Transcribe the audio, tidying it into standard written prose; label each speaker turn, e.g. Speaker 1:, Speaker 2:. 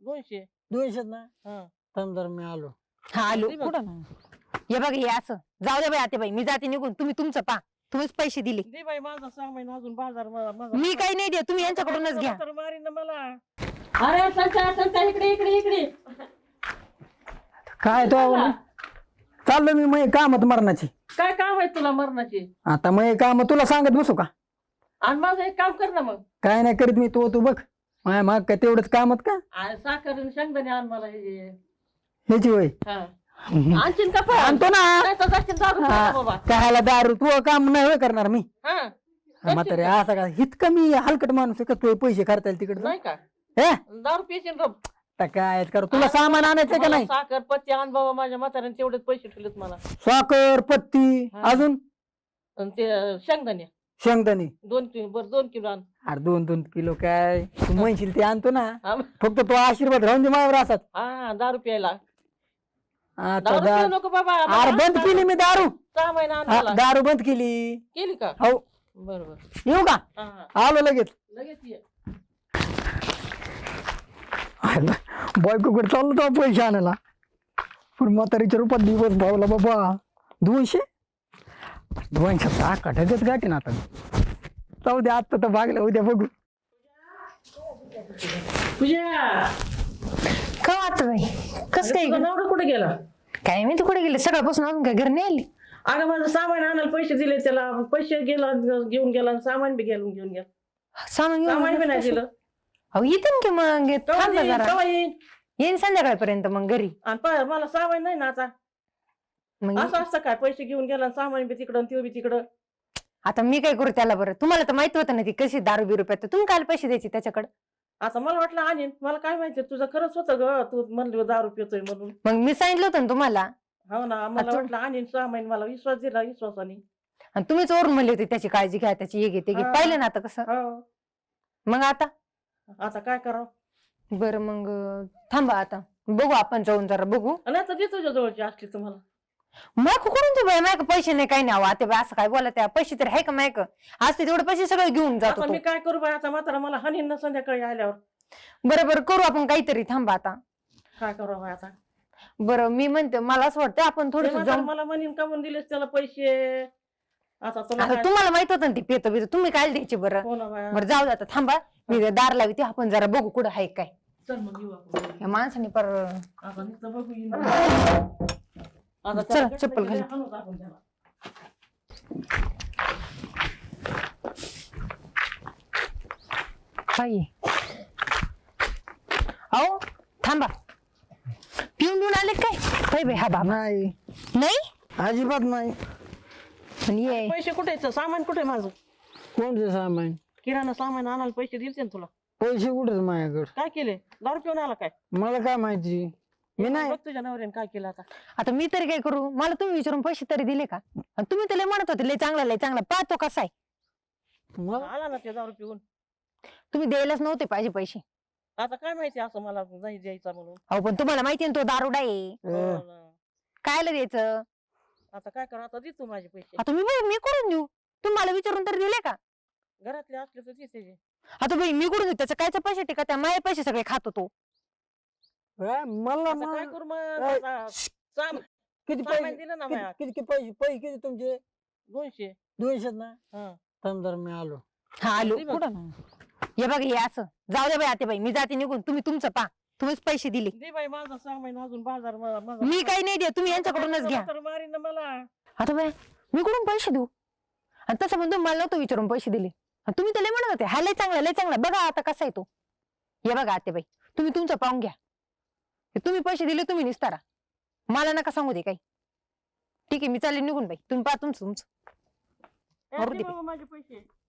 Speaker 1: 200.
Speaker 2: 200 ना
Speaker 1: हा
Speaker 2: थांब जरा मी आलो.
Speaker 3: हा आलो
Speaker 1: दे बघ.
Speaker 3: कुठं हे बघ हे असं जाऊ दे बाई आते बाई मी जाते निघून तुम्ही तुमचं पा तुम्हीच पैसे दिले
Speaker 1: दे बाई माझा सामान अजून बाजार
Speaker 3: मी काही नाही दे तुम्ही यांच्याकडूनच घ्या
Speaker 1: मारीन ना मला. अरे संचा इकडे इकडे इकडे.
Speaker 2: काय तो चाललो मी मग कामत मरणाची.
Speaker 1: काय काम आहे तुला मरणाची?
Speaker 2: आता मग काम तुला सांगत बसू का?
Speaker 1: आणि माझं एक काम कर ना मग.
Speaker 2: काय नाही करीत मी तू बघ माय मग काय तेवढंच कामत का
Speaker 1: आणि साखर आणि शेंगदाणे आण मला हे.
Speaker 2: ह्याची वय
Speaker 1: हा आणखीन का पण?
Speaker 2: आणतो ना.
Speaker 1: नाही तर जाशील दारू प्यायला बाबा.
Speaker 2: कायला दारू तू काम नाही होय करणार मी
Speaker 1: हा
Speaker 2: म्हातारे असं का इतकं मी हलकट माणूस आहे का तू पैसे खर्चायला तिकडे
Speaker 1: नाही का
Speaker 2: हे
Speaker 1: दारू पिशील का?
Speaker 2: आता काय कर तुला सामान आणायचं का
Speaker 1: मला
Speaker 2: नाही?
Speaker 1: साखर पत्ती आण बाबा माझ्या म्हाताऱ्याने तेवढेच पैसे ठेवलेत मला.
Speaker 2: साखर पत्ती
Speaker 1: हा.
Speaker 2: अजून
Speaker 1: आणि ते शेंगदाणे
Speaker 2: शेंगदाणे
Speaker 1: 2 किलो बरं 2 किलो आण.
Speaker 2: अरे 2-2 किलो काय तू म्हणशील ते आणतो ना
Speaker 1: हा
Speaker 2: फक्त तो आशीर्वाद राहून दे माझ्यावर असत.
Speaker 1: हा, दारू प्यायला.
Speaker 2: आता
Speaker 1: दारू पिऊ
Speaker 2: दा-
Speaker 1: नको बाबा.
Speaker 2: अरे बंद केली मी दारू
Speaker 1: 6 महिना आण
Speaker 2: हा,
Speaker 1: मला.
Speaker 2: दारू बंद केली.
Speaker 1: केली का?
Speaker 2: हो
Speaker 1: बरोबर.
Speaker 2: येऊ का?
Speaker 1: हा हा
Speaker 2: आलो लगेच.
Speaker 1: लगेच ये.
Speaker 2: बायकोकडे चाललो तो पैसे आणायला पण म्हातारीच्या रूपात दिवस भावला बाबा 200 कटाकच गाठी ना आता जाऊ दे आता तर भागलं उद्या बघू.
Speaker 1: पूजा
Speaker 3: का आता बाई कस काय
Speaker 1: तुझा नवरा कुठे गेला?
Speaker 3: काय मी कुठे गेले सकाळपासून अजून काय घर नाही आली
Speaker 1: अगं माझं सामान आणायला पैसे दिले त्याला. पैसे गेला घेऊन गेला आणि सामान बी घेऊन गेला.
Speaker 3: सामान
Speaker 1: सामान बी नाही
Speaker 3: घेऊन
Speaker 1: दिलं.
Speaker 3: अहो येते की मग
Speaker 1: केव्हा
Speaker 3: थांबा
Speaker 1: येईन?
Speaker 3: जरा
Speaker 1: केव्हा येईन?
Speaker 3: येईन संध्याकाळपर्यंत मग घरी
Speaker 1: आणि मला सामान नाही ना आता.
Speaker 3: मग
Speaker 1: असं असतं काय पैसे घेऊन गेला आणि सामान बी तिकडं आणि ते बी तिकडं.
Speaker 3: आता मी काय करू त्याला बरं तुम्हाला तर माहित होतं ना ती कशी दारू बिरू पिते तुम्ही काय पैसे द्यायचे त्याच्याकडे
Speaker 1: आता मला वाटलं आणीन. मला काय माहिती तुझं खरंच होतं ग. तू म्हणली दारू पितोय म्हणून.
Speaker 3: मग मी सांगितलं होतं ना तुम्हाला
Speaker 1: हो ना मला
Speaker 3: तू-
Speaker 1: वाटलं आणीन 6 महिने. मला विश्वास दिला विश्वासाने.
Speaker 3: आणि तुम्हीच ओरून म्हणले होते त्याची काळजी घ्या त्याची हे घे ते घे
Speaker 1: हा.
Speaker 3: पाहिलं ना आता कसं
Speaker 1: हो
Speaker 3: मग आता
Speaker 1: आता काय करावं?
Speaker 3: बरं मग थांबा आता बघू आपण जाऊन जरा बघू
Speaker 1: आणि आता दे तुझ्या जवळची असली तुम्हाला.
Speaker 3: मग कुठून तू बाय मायक पैसे नाही काही नाही आता बाई असं काय बोला त्या पैसे तर आहे का मायक आज ते तेवढे पैसे सगळे घेऊन जातो
Speaker 1: आता
Speaker 3: तो.
Speaker 1: मी काय करू बाई? आता म्हातारा मला हानीन ना संध्याकाळी आल्यावर.
Speaker 3: बरं बरं करू आपण काहीतरी थांबा आता
Speaker 1: काय करावं बाई आता?
Speaker 3: बरं मी म्हणते मला असं वाटतं आपण
Speaker 1: ते
Speaker 3: थोडस
Speaker 1: म्हातारं
Speaker 3: जाऊन
Speaker 1: मला म्हणीन का म्हणून दिलेस त्याला पैसे. आता तुला
Speaker 3: आता
Speaker 1: काय-
Speaker 3: तुम्हाला माहित होतं ना ती पेतो बितो तुम्ही काय द्यायचे बरं
Speaker 1: हो ना बाया.
Speaker 3: बरं जाऊ दे आता थांबा मी दार लावते आपण जरा बघू कुठं आहे काय
Speaker 1: चल मग येऊ आपण.
Speaker 3: या माणसाने पर
Speaker 1: आता नुसतं बघू येईन. आता
Speaker 3: चला,
Speaker 1: त्याला
Speaker 3: चप्पल
Speaker 1: कसं
Speaker 3: घाल.
Speaker 1: हाणूच आपण त्याला.
Speaker 3: काय अहो थांबा पिऊन पिऊन आले काय बाई बाई हा बाबा
Speaker 2: नाही
Speaker 3: नाही
Speaker 2: अजिबात नाही.
Speaker 3: पण ये
Speaker 1: पैसे कुठे आहेत? सामान कुठे आहे माझं?
Speaker 2: कोणते सामान
Speaker 1: किराणा सामान आणायला पैसे दिलते ना तुला.
Speaker 2: पैसे कुठेच माझ्याकडे
Speaker 1: काय केले? दारू पिऊन आला काय?
Speaker 2: मला काय माहिती मी नाही.
Speaker 1: बघ तुझ्या नवऱ्याने काय केलं आता.
Speaker 3: आता मी तरी काय करू मला तुम्ही विचारून पैसे तरी दिले का आणि तुम्ही तर लय म्हणत होते लय चांगला पाहतो कसा आहे
Speaker 2: मग
Speaker 1: आला ना ते दारू पिऊन.
Speaker 3: तुम्ही द्यायलाच नव्हते पाहिजे पैसे
Speaker 1: आता काय माहिती असं मला नाही द्यायचा म्हणून.
Speaker 3: अहो पण तुम्हाला माहिती आहे ना तो दारुडा आहे
Speaker 1: हो ना.
Speaker 3: कायला द्यायचं
Speaker 1: आता काय करा? आता दे तू माझे पैसे.
Speaker 3: आता मी कुठून देऊ तुम्हाला विचारून तरी दिले का
Speaker 1: घरातले असले तर दे त्याचे.
Speaker 3: आता बाई मी कुठून देऊ त्याचं कायचं पैसे टिका त्या माझे पैसे सगळे खातो तो
Speaker 2: मला
Speaker 1: आता काय करू मग?
Speaker 2: ए,
Speaker 1: आता
Speaker 2: किती
Speaker 1: सामान
Speaker 2: पैसे
Speaker 1: दिलं ना माझ्या.
Speaker 2: किती पैसे किती तुमचे?
Speaker 1: 200.
Speaker 2: 200 ना
Speaker 1: हा.
Speaker 2: थांब जरा मी आलो.
Speaker 3: हा आलो
Speaker 1: दे बघ.
Speaker 3: कुठं हे बघ हे असं जाऊ दे बाई आते बाई मी जाते निघून तुम्ही तुमचं पा तुम्हीच पैसे दिले
Speaker 1: दे बाई माझा सामान अजून बाजार
Speaker 3: मी काही नाही दे तुम्ही यांच्याकडूनच घ्या
Speaker 1: मारीन ना मला.
Speaker 3: आता बाय मी कुठून पैसे देऊ आणि तसं पण तुम्ही मला नव्हतं विचारून पैसे दिले आणि तुम्ही तर लय म्हणत होते हा लय चांगला बघा आता कसा आहे तो हे बघा आते बाई तुम्ही तुमचं पाहून घ्या तुम्ही पैसे दिले तुम्ही निस्तारा मला नका सांगू दे काही ठीक आहे मी चालले निघून बाई तुम्ही पहा तुमचं
Speaker 1: ए, दे बाबा माझे पैसे.